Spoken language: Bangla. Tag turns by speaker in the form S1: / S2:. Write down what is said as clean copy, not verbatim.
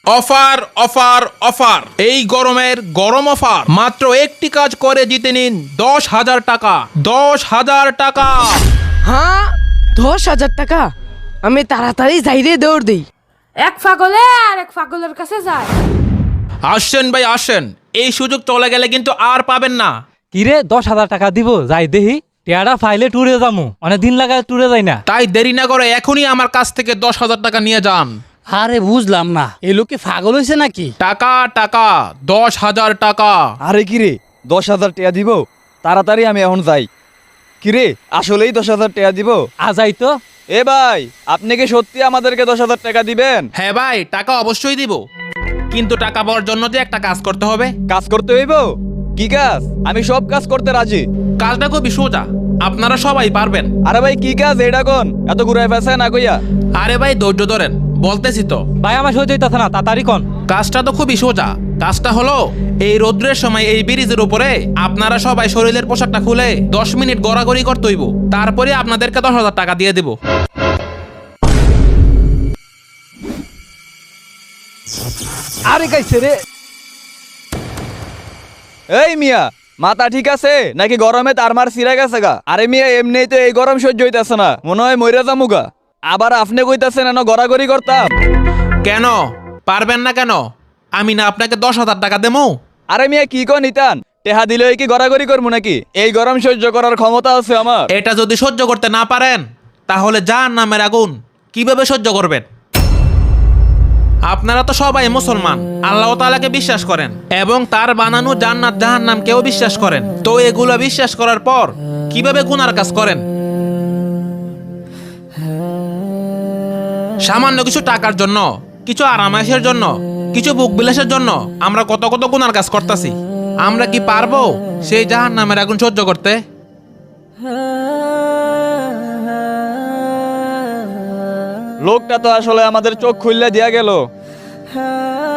S1: অফার অফার অফার, এই গরমের গরম অফার। মাত্র একটি কাজ করে জিতে নিন 10,000 টাকা। 10,000 টাকা।
S2: হ্যাঁ, 10,000 টাকা। আমি তাড়াতাড়ি যাই রে, দৌড় দিই।
S3: এক পাগলে আর এক পাগলের কাছে যায়।
S1: আসেন ভাই আসেন, এই সুযোগ চলে গেলে কিন্তু আর পাবেন না।
S4: কিরে 10,000 টাকা দিব, যাই দেহি টেয়ারা ফাইলে ট্যুরে যামু, অনেক দিন লাগায় ট্যুরে যাই না।
S1: তাই দেরি না করে এখনই আমার কাছ থেকে 10,000 টাকা নিয়ে যান।
S5: আরে বুঝলাম না, এই লোক কি পাগল হয়েছে নাকি?
S1: টাকা টাকা, 10,000 টাকা।
S6: আরে কিরে 10,000 টাকা দিব? তাড়াতাড়ি আমি এখন যাই। কিরে আসলেই 10,000 টাকা দিব?
S4: আজাই তো।
S6: এ ভাই, আপনি কি সত্যি আমাদেরকে 10,000 টাকা দিবেন?
S1: হ্যাঁ ভাই, টাকা অবশ্যই দিব, কিন্তু টাকা পাওয়ার জন্য যে একটা কাজ করতে হবে।
S6: কাজ করতে হইব? কি কাজ? আমি সব কাজ করতে রাজি।
S1: কাজটা খুবই সোজা, আপনারা সবাই পারবেন।
S6: আরে ভাই কি কাজ এটা কোন? এত ঘুরায় ফেসায় না কইয়া।
S1: আরে ভাই ধৈর্য ধরেন, বলতেছি তো।
S4: ভাই আমার সহ্য হইতাছে না, তাড়াতাড়ি কন।
S1: কাজটা তো খুবই সোজা। কাজটা হলো, এই রৌদ্রের সময় এই ব্রিজের উপরে আপনারা সবাই শরীরের পোশাকটা খুলে 10 মিনিট গড়াগড়ি করতে হইব, তারপরে আপনাদেরকে 10,000 টাকা দিয়ে দেব।
S4: আরে গাইছে রে।
S6: এই মিয়া, মাথা ঠিক আছে নাকি গরমে তার মার সিরা গেছে গা? আরে মিয়া এমনিই তো এই গরম সহ্য হইতাছে না, মনে হয় মইরা যামুগা। আবার আপনি কইতাছেন না গড়াগড়ি করতাম?
S1: কেন পারবেন না কেন? আমি না আপনাকে 10,000 টাকা দেবো?
S6: আরে মিয়া কি কন ইতান? টেহা দিলে কি গড়াগড়ি করবো নাকি? এই গরম সহ্য করার ক্ষমতা আছে আমার।
S1: এটা যদি সহ্য করতে না পারেন, তাহলে জাহান্নামের আগুন কিভাবে সহ্য করবেন? আপনারা তো সবাই মুসলমান, আল্লাহ তাআলাকে বিশ্বাস করেন এবং তার বানানো জান্নাত জাহান্নামকেও বিশ্বাস করেন। তো এগুলো বিশ্বাস করার পর কিভাবে গুনার কাজ করেন? সামান্য কিছু টাকার জন্য, কিছু আরামায়েশের জন্য, কিছু বুক বিলাসের জন্য আমরা কত কত গুনার কাজ করতেছি। আমরা কি পারবো সেই জাহান্নামের আগুন সহ্য করতে?
S6: লোকটা তো আসলে আমাদের চোখ খুললে দিয়া গেল।